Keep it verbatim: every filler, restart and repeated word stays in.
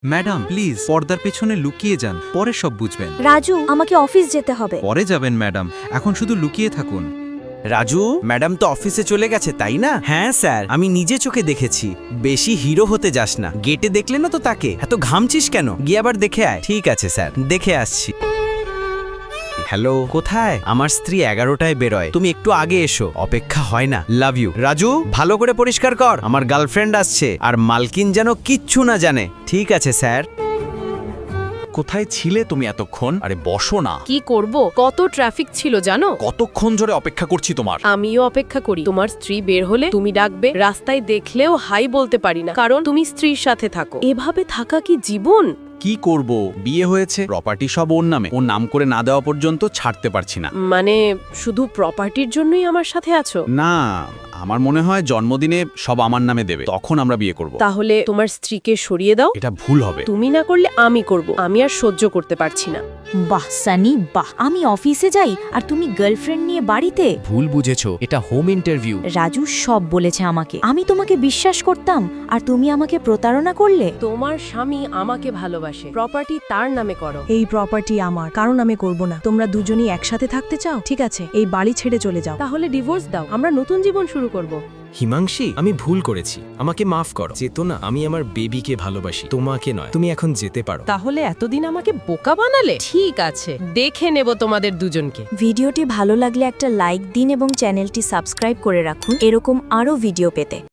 Madam please পর্দার পেছনে লুকিয়ে যান, পরে সব বুঝবেন। রাজু, আমাকে অফিস যেতে হবে। পরে যাবেন ম্যাডাম, এখন শুধু লুকিয়ে থাকুন। রাজু, ম্যাডাম তো অফিসে চলে গেছে তাই না? হ্যাঁ স্যার, আমি নিজে চোখে দেখেছি। বেশি হিরো হতে যাস না, গেটে দেখলে না তো তাকে, এত ঘামছিস কেন? গিয়ে আবার দেখে আয়। ঠিক আছে স্যার, দেখে আসছি। হ্যালো, কোথায়? আমার স্ত্রী এগারোটায় বেরোয়, তুমি একটু আগে এসো, অপেক্ষা হয় না। Love you. রাজু, ভালো করে পরিষ্কার কর, আমার গার্লফ্রেন্ড আসছে, আর মালকিন যেন কিচ্ছু না জানে। ঠিক আছে স্যার। কোথায় ছিলে তুমি এতক্ষণ? আরে বসো না। কি করব, কত ট্রাফিক ছিল জানো? কতক্ষণ ধরে অপেক্ষা করছি তোমার। আমিও অপেক্ষা করি। তোমার স্ত্রী বের হলে তুমি ডাকবে, রাস্তায় দেখলেও হাই বলতে পারি না, কারণ তুমি স্ত্রীর সাথে থাকো। এভাবে থাকা কি জীবন? কি করব, বিয়ে হয়েছে, প্রপার্টি সব ওর নামে, ও নাম করে না দেওয়া পর্যন্ত ছাড়তে পারছি না। মানে শুধু প্রপার্টির জন্যই আমার সাথে আছো? না, আমার মনে হয় জন্মদিনে সব আমার নামে দেবে, তখন আমরা বিয়ে করব। তাহলে তোমার স্ত্রীকে সরিয়ে দাও। এটা ভুল হবে। তুমি না করলে আমি করব। আমি আর সহ্য করতে পারছি না। বাহ সানি বাহ, আমি অফিসে যাই আর তুমি গার্লফ্রেন্ড নিয়ে বাড়িতে। ভুল বুঝেছো, এটা হোম ইন্টারভিউ। রাজু সব বলেছে আমাকে, আমি তোমাকে বিশ্বাস করতাম আর তুমি আমাকে প্রতারণা করলে। তোমার স্বামী আমাকে ভালোবাসে, প্রপার্টি তার নামে করো। এই প্রপার্টি আমার, কারণ আমি করব না। তোমরা দুজনেই একসাথে থাকতে চাও, ঠিক আছে, এই বাড়ি ছেড়ে চলে যাও। তাহলে ডিভোর্স দাও, আমরা নতুন জীবন শুরু করব। হিমাংশী, আমি ভুল করেছি, আমাকে মাফ করো। চেতনা, আমি আমার বেবিকে ভালোবাসি, তোমাকে নয়। তুমি এখন যেতে পারো। তাহলে এতদিন আমাকে বোকা বানালে? ঠিক আছে, দেখে নেব তোমাদের দুজনকে। ভিডিওটি ভালো লাগলে একটা লাইক দিন এবং চ্যানেলটি সাবস্ক্রাইব করে রাখুন এরকম আরও ভিডিও পেতে।